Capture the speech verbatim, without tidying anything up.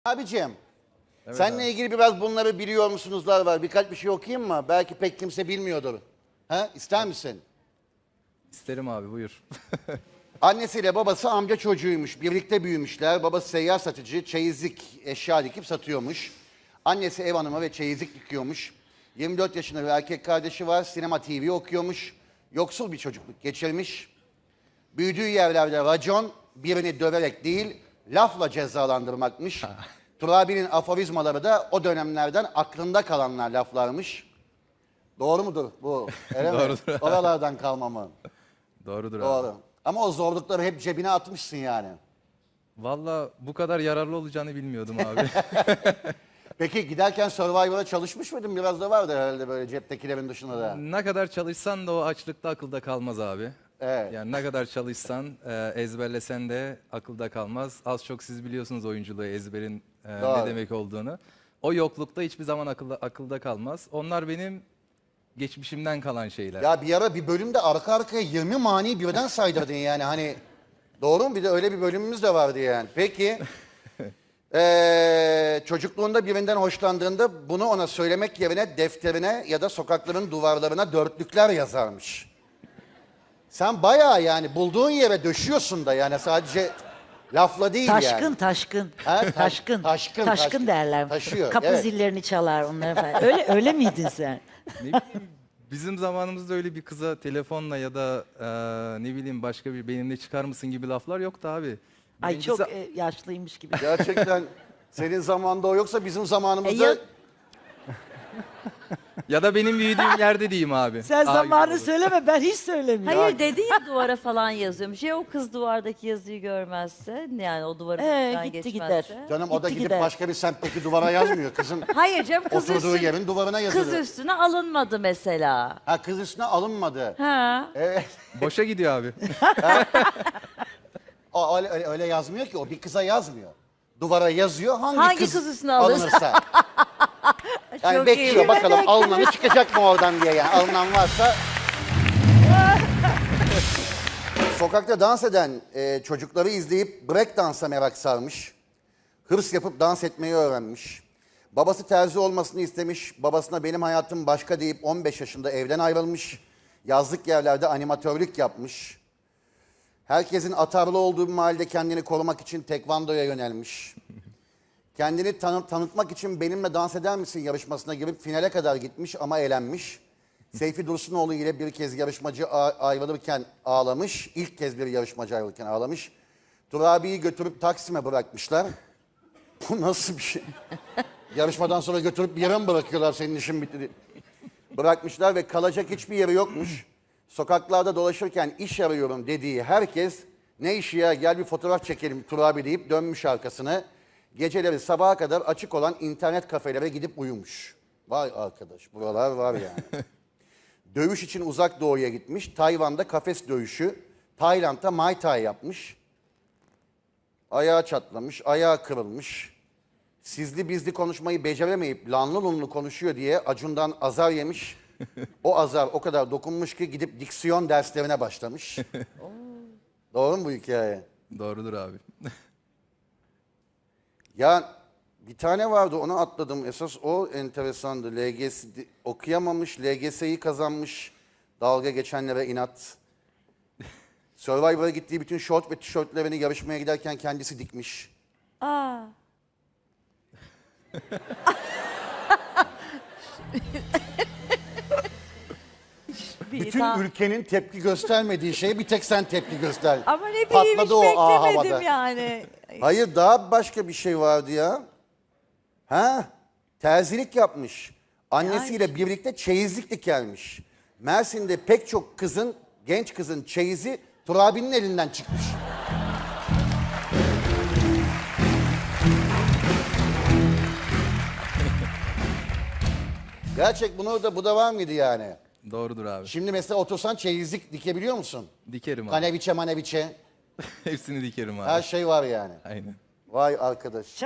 Abicim, Evet seninle abi. ilgili biraz bunları biliyor musunuzlar var. Birkaç bir şey okuyayım mı? Belki pek kimse bilmiyordur. Ha? İster misin? İsterim abi, buyur. Annesiyle babası amca çocuğuymuş. Birlikte büyümüşler. Babası seyyar satıcı, çeyizlik eşya dikip satıyormuş. Annesi ev hanımı ve çeyizlik dikiyormuş. yirmi dört yaşında bir erkek kardeşi var. Sinema T V okuyormuş. Yoksul bir çocukluk geçirmiş. Büyüdüğü yerlerde racon birini döverek değil, lafla cezalandırmakmış. Turabi'nin aforizmaları da o dönemlerden aklında kalanlar laflarmış. Doğru mudur bu? Öyle mi? Doğrudur abi. Oralardan kalma mı? Doğrudur abi. Doğru. Ama o zorlukları hep cebine atmışsın yani. Valla bu kadar yararlı olacağını bilmiyordum abi. Peki giderken Survivor'a çalışmış mıydın? Biraz da vardı herhalde böyle ceptekilerin dışında da. Ne kadar çalışsan da o açlıkta akılda kalmaz abi. Evet. Yani ne kadar çalışsan, e, ezberlesen de akılda kalmaz. Az çok siz biliyorsunuz oyunculuğu, ezberin e, Doğru. ne demek olduğunu. O yoklukta hiçbir zaman akılda, akılda kalmaz. Onlar benim geçmişimden kalan şeyler. Ya bir ara bir bölümde arka arkaya yirmi mani birden saydırdın yani hani. Doğru mu? Bir de öyle bir bölümümüz de vardı yani. Peki. Ee, çocukluğunda birinden hoşlandığında bunu ona söylemek yerine defterine ya da sokakların duvarlarına dörtlükler yazarmış. Sen bayağı yani bulduğun yere döşüyorsun da yani sadece lafla değil Taşkın, yani. taşkın. Ha, taş- taşkın. taşkın, Taşkın taşkın. derler. Taşıyor, Kapı evet. zillerini çalar onları falan. Öyle öyle miydin sen? Ne bileyim, bizim zamanımızda öyle bir kıza telefonla ya da e, ne bileyim başka bir benimle çıkar mısın gibi laflar yoktu abi. Ay Birincisi- çok e, yaşlıymış gibi. Gerçekten senin zamanında o yoksa bizim zamanımızda... E ya- Ya da benim büyüdüğüm yerde diyeyim abi. Sen Daha zamanı güzel olur. söyleme, ben hiç söylemiyorum. Hayır dedi ya duvara falan yazıyormuş. Ya o kız duvardaki yazıyı görmezse yani o duvarı Ee, falan gitti geçmezse. gider. Canım o da Gitti gidip gider. başka bir semtteki duvara yazmıyor. Kızın Hayır canım kız, oturduğu üstüne, yerin duvarına yazılıyor. kız üstüne alınmadı mesela. Ha kız üstüne alınmadı. Ha. Evet. Boşa gidiyor abi. O öyle, öyle, öyle yazmıyor ki o bir kıza yazmıyor. Duvara yazıyor hangi, Hangi kız, kız üstüne alır? alınırsa. Yani Çok bekliyor iyi. bakalım alınanı çıkacak mı oradan diye yani alınan varsa. Sokakta dans eden e, çocukları izleyip break dansa merak sarmış. Hırs yapıp dans etmeyi öğrenmiş. Babası terzi olmasını istemiş. Babasına benim hayatım başka deyip on beş yaşında evden ayrılmış. Yazlık yerlerde animatörlük yapmış. Herkesin atarlı olduğu bir mahallede kendini korumak için tekvandoya yönelmiş. Kendini tanı- tanıtmak için benimle dans eder misin yarışmasına girip finale kadar gitmiş ama elenmiş. Seyfi Dursunoğlu ile bir kez yarışmacı a- ayrılırken ağlamış. İlk kez bir yarışmacı ayrılırken ağlamış. Turabi'yi götürüp Taksim'e bırakmışlar. Bu nasıl bir şey? Yarışmadan sonra götürüp bir yere mi bırakıyorlar senin işin bitti diye. Bırakmışlar ve kalacak hiçbir yeri yokmuş. Sokaklarda dolaşırken iş arıyorum dediği herkes ne işi ya gel bir fotoğraf çekelim Turabi deyip dönmüş arkasını. Geceleri sabaha kadar açık olan internet kafelere gidip uyumuş. Vay arkadaş buralar var yani. Dövüş için uzak doğuya gitmiş. Tayvan'da kafes dövüşü. Tayland'da Muay Thai yapmış. Ayağı çatlamış, ayağı kırılmış. Sizli bizli konuşmayı beceremeyip lanlı lunlu konuşuyor diye Acun'dan azar yemiş. O azar o kadar dokunmuş ki gidip diksiyon derslerine başlamış. Doğru mu bu hikaye? Doğrudur abi. Ya bir tane vardı onu atladım. Esas o enteresandı. L G S okuyamamış, L G S'yi kazanmış. Dalga geçenlere inat. Survivor'a gittiği bütün şort ve tişörtlerini yarışmaya giderken kendisi dikmiş. Aa. Bir Bütün tam- ülkenin tepki göstermediği şeye bir tek sen tepki göster. Ama ne bileyim hiç Patladı o A beklemedim havada. yani. Hayır daha başka bir şey vardı ya. Ha? Terzilik yapmış. Annesiyle birlikte çeyizlik dikermiş. Mersin'de pek çok kızın, genç kızın çeyizi Turabi'nin elinden çıkmış. Gerçek bunu da bu da var mıydı yani? Doğrudur abi. Şimdi mesela otursan çeyizlik dikebiliyor musun? Dikerim abi. Kaneviçe maneviçe Hepsini dikerim abi. her şey var yani. Aynen. Vay arkadaş.